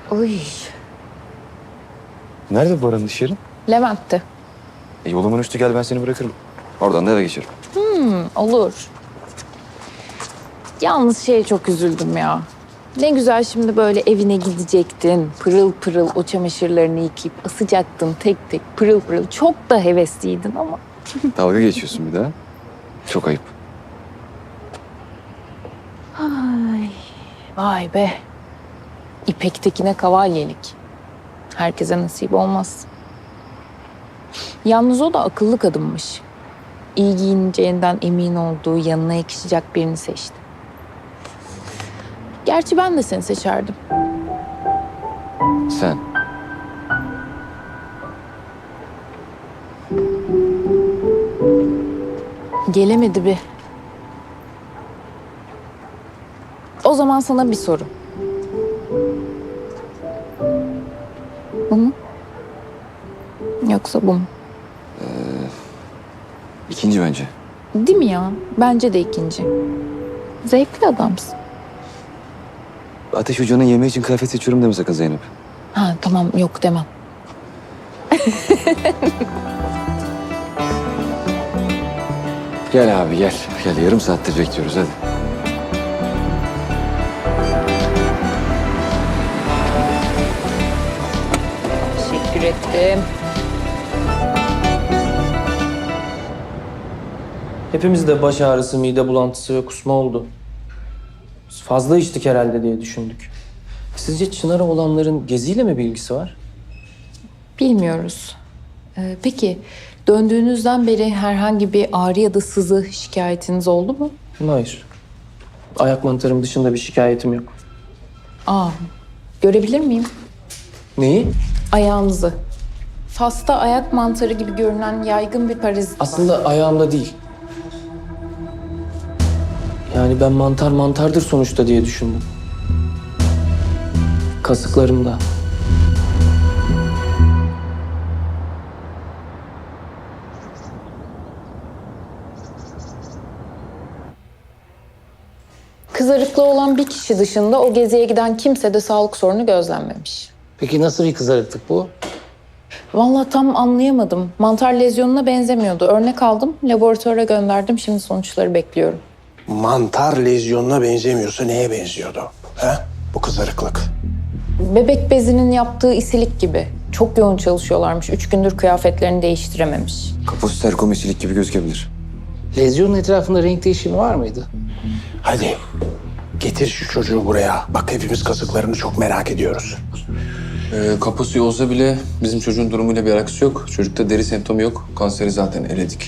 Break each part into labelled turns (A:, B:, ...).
A: Uy,
B: Nerede Baran'ın iş yeri?
A: Levent'ti.
B: Yolumun üstü, gel ben seni bırakırım. Oradan da eve geçerim.
A: Olur. Yalnız şeye çok üzüldüm ya. Ne güzel şimdi böyle evine gidecektin. Pırıl pırıl o çamaşırlarını yıkayıp asacaktın tek tek pırıl pırıl. Çok da hevesliydin ama.
B: Dalga geçiyorsun bir daha. Çok ayıp.
A: Ay, vay be. İpek'tekine kavalyelik. Herkese nasip olmaz. Yalnız o da akıllı kadınmış. İyi giyineceğinden emin olduğu, yanına yakışacak birini seçti. Gerçi ben de seni seçerdim.
B: Sen.
A: Gelemedi bir. O zaman sana bir soru. Bu mu? Yoksa bu mu?
B: İkinci bence.
A: Değil mi ya? Bence de ikinci. Zevkli adamsın.
B: Ateş Hoca'nın yemeği için kıyafet seçiyorum deme sakın Zeynep.
A: Ha tamam, yok demem.
B: Gel abi gel. Gel, yarım saattir bekliyoruz hadi.
A: Teşekkür ettim.
C: Hepimizde baş ağrısı, mide bulantısı ve kusma oldu. Biz fazla içtik herhalde diye düşündük. Sizce Çınar'a olanların Gezi'yle mi bir ilgisi var?
A: Bilmiyoruz. Peki döndüğünüzden beri herhangi bir ağrı ya da sızı şikayetiniz oldu mu?
C: Hayır. Ayak mantarım dışında bir şikayetim yok.
A: Aa, görebilir miyim?
C: Neyi?
A: Ayağınızı. Fas'ta ayak mantarı gibi görünen yaygın bir parazit var.
C: Aslında ayağımda değil. Yani ben mantardır sonuçta diye düşündüm. Kasıklarımda.
A: Kızarıklığı olan bir kişi dışında o geziye giden kimse de sağlık sorunu gözlenmemiş.
C: Peki nasıl bir kızarıklık bu?
A: Vallahi tam anlayamadım. Mantar lezyonuna benzemiyordu. Örnek aldım, laboratuvara gönderdim. Şimdi sonuçları bekliyorum.
D: Mantar lezyonuna benzemiyorsa neye benziyordu? He? Bu kızarıklık.
A: Bebek bezinin yaptığı isilik gibi. Çok yoğun çalışıyorlarmış. 3 gündür kıyafetlerini değiştirememiş.
B: Kaposterkomesilik gibi gözükebilir.
E: Lezyonun etrafında renk değişimi var mıydı?
D: Hadi getir şu çocuğu buraya. Bak hepimiz kasıklarını çok merak ediyoruz.
F: Kaposu olsa bile bizim çocuğun durumuyla bir alakası yok. Çocukta deri semptomu yok. Kanseri zaten eledik.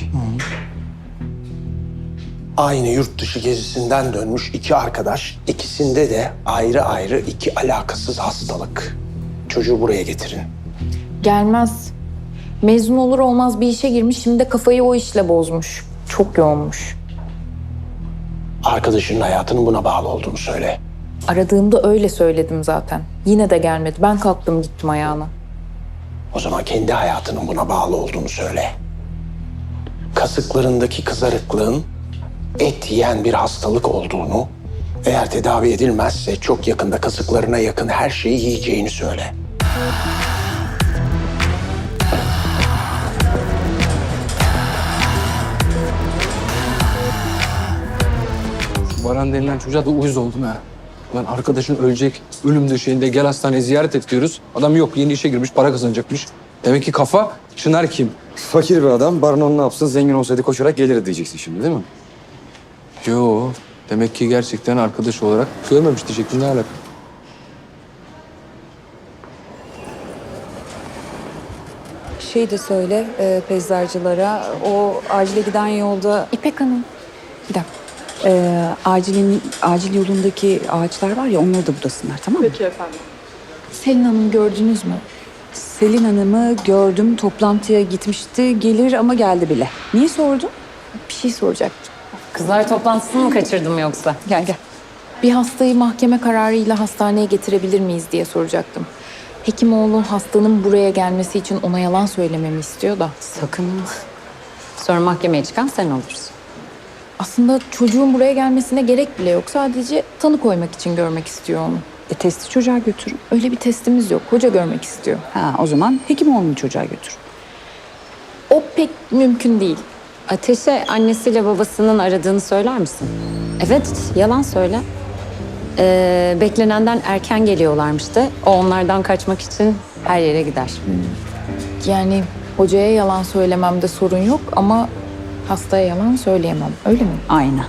D: Aynı yurt dışı gezisinden dönmüş iki arkadaş. İkisinde de ayrı ayrı iki alakasız hastalık. Çocuğu buraya getirin.
A: Gelmez. Mezun olur olmaz bir işe girmiş. Şimdi de kafayı o işle bozmuş. Çok yoğunmuş.
D: Arkadaşının hayatının buna bağlı olduğunu söyle.
A: Aradığımda öyle söyledim zaten. Yine de gelmedi. Ben kalktım gittim ayağına.
D: O zaman kendi hayatının buna bağlı olduğunu söyle. Kasıklarındaki kızarıklığın et yiyen bir hastalık olduğunu, eğer tedavi edilmezse çok yakında kasıklarına yakın her şeyi yiyeceğini söyle.
F: Baran denilen çocuğa da uyuz oldum ha. Lan arkadaşın ölecek, ölüm döşeğinde gel hastaneye ziyaret et diyoruz. Adam yok, yeni işe girmiş, para kazanacakmış. Demek ki kafa, Çınar kim?
B: Fakir bir adam. Baran onu ne yapsın? Zengin olsaydı koşarak gelirdi diyeceksin şimdi değil mi?
F: Yo, demek ki gerçekten arkadaş olarak görmemiş diyecektim, ne alaka?
G: Şey de söyle peyzajcılara, o acile giden yolda
A: İpek Hanım. Bir dakika.
G: acil yolundaki ağaçlar var ya, onları da budasınlar, tamam mı?
A: Selin Hanım gördünüz mü?
G: Selin Hanım'ı gördüm, toplantıya gitmişti, gelir ama geldi bile. Niye sordun?
A: Bir şey soracaktım.
H: Kızlar toplantısını mı kaçırdım yoksa?
G: Gel gel.
A: Bir hastayı mahkeme kararıyla hastaneye getirebilir miyiz diye soracaktım. Hekimoğlu hastanın buraya gelmesi için ona yalan söylememi istiyor da.
H: Sakın. Sonra mahkemeye çıkan sen olursun.
A: Aslında çocuğun buraya gelmesine gerek bile yok. Sadece tanı koymak için görmek istiyor onu.
G: Testi çocuğa götürün.
A: Öyle bir testimiz yok. Hoca görmek istiyor.
G: Ha, o zaman Hekimoğlu'nu çocuğa götürün.
A: O pek mümkün değil.
H: Ateş'e annesiyle babasının aradığını söyler misin? Evet, yalan söyle. Beklenenden erken geliyorlarmış da o onlardan kaçmak için her yere gider.
A: Yani hocaya yalan söylememde sorun yok ama hastaya yalan söyleyemem. Öyle mi?
G: Aynen.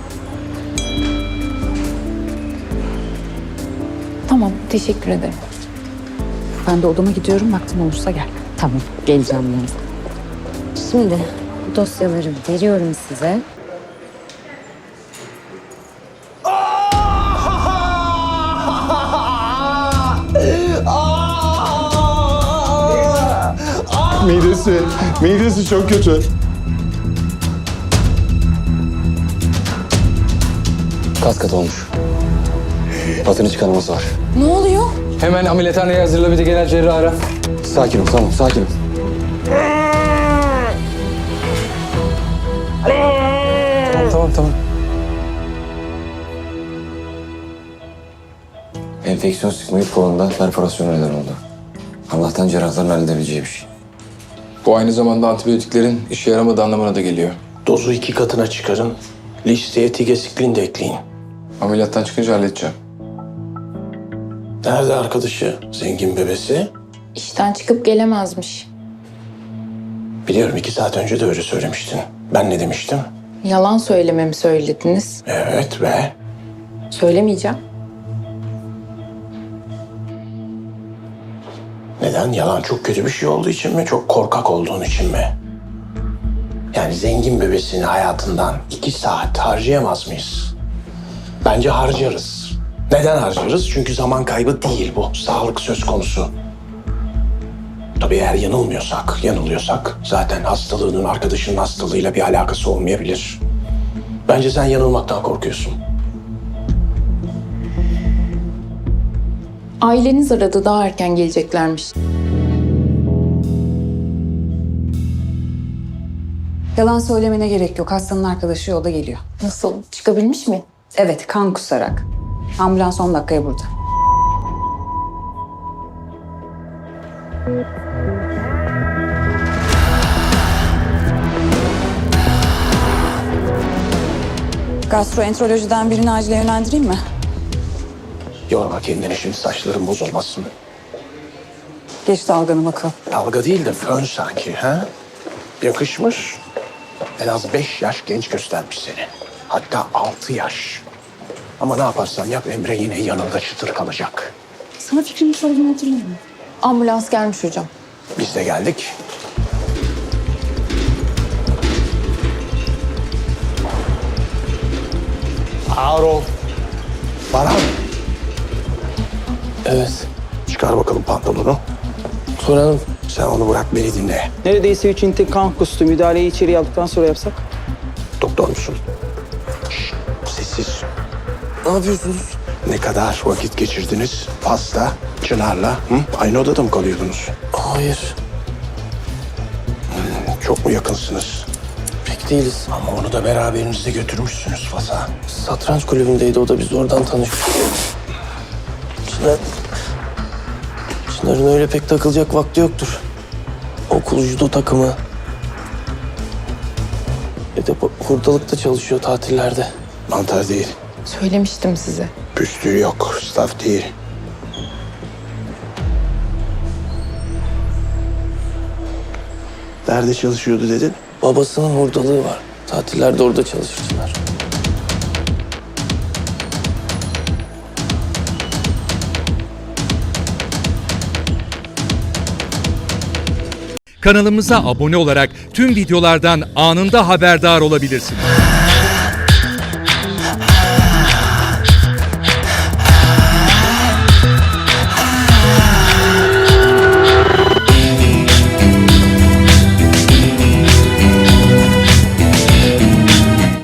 A: Tamam, teşekkür ederim.
G: Ben de odama gidiyorum. Vaktim olursa gel.
H: Tamam, geleceğim yanınıza. Şimdi bu dosyaları veriyorum size.
I: Midesi çok kötü.
B: Kas katı olmuş. Patını çıkarması var.
A: Ne oluyor?
F: Hemen ameliyathaneye hazırla, bir de genel cerrahı ara.
B: Sakin ol, tamam, sakin ol.
F: Tamam.
B: Enfeksiyon sigmoid kolunda perforasyon neden oldu. Allah'tan cerrahların halledebileceği bir şey.
F: Bu aynı zamanda antibiyotiklerin işe yaramadığı anlamına da geliyor.
D: Dozu 2 katına çıkarın. Listeye tigesiklin de ekleyin.
F: Ameliyattan çıkınca halledeceğim.
D: Nerede arkadaşı? Zengin bebesi.
A: İşten çıkıp gelemezmiş.
D: Biliyorum 2 saat önce de öyle söylemiştin. Ben ne demiştim?
A: Yalan söylememi söylediniz.
D: Evet ve
A: Söylemeyeceğim.
D: neden? Yalan çok kötü bir şey olduğu için mi? Çok korkak olduğun için mi? Yani zengin bebesini hayatından 2 saat harcayamaz mıyız? Bence harcarız. Neden harcarız? Çünkü zaman kaybı değil bu. Sağlık söz konusu. Tabii eğer yanılıyorsak zaten hastalığının arkadaşının hastalığıyla bir alakası olmayabilir. Bence sen yanılmaktan korkuyorsun.
A: Aileniz aradı, daha erken geleceklermiş.
G: Yalan söylemene gerek yok. Hastanın arkadaşı yolda geliyor.
A: Nasıl? Çıkabilmiş mi?
G: Evet, kan kusarak. Ambulans 10 dakikaya burada. Gastroenterolojiden birini acile yönlendireyim mi?
D: Yorma kendini, şimdi saçların bozulmasın.
G: Geç dalganı bakalım.
D: Dalga değil de fön sanki ha? Yakışmış. En az 5 yaş genç göstermiş seni. Hatta 6 yaş. Ama ne yaparsan yap Emre yine yanında çıtır kalacak.
G: Sana fikrimi sorduğunu hatırlamıyorum.
A: Ambulans gelmiş hocam.
D: Biz de geldik. Ağır ol. Baran.
C: Evet.
D: Çıkar bakalım pantolonu.
C: Soralım.
D: Sen onu bırak, beni dinle.
J: Neredeyse 3 ünite kan kustu. Müdahaleyi içeriye aldıktan sonra yapsak.
D: Doktor musun? Şşt, sessiz.
C: Ne yapıyorsunuz?
D: Ne kadar vakit geçirdiniz? Pasta, Çınar'la. Hı? Aynı odada mı kalıyordunuz?
C: Hayır.
D: Çok mu yakınsınız?
C: Pek değiliz.
D: Ama onu da beraberinizde götürmüşsünüz Fas'a.
C: Satranç kulübündeydi o da, biz oradan tanıştık. Çınar'ın öyle pek takılacak vakti yoktur. Okul judo takımı. Bir de hurdalıkta çalışıyor tatillerde.
D: Mantar değil.
A: Söylemiştim size.
D: Püstüğü yok. Staff değil. Nerede çalışıyordu dedin?
C: Babasının hurdalığı var. Tatillerde orada çalışır Çınar.
K: Kanalımıza abone olarak tüm videolardan anında haberdar olabilirsiniz.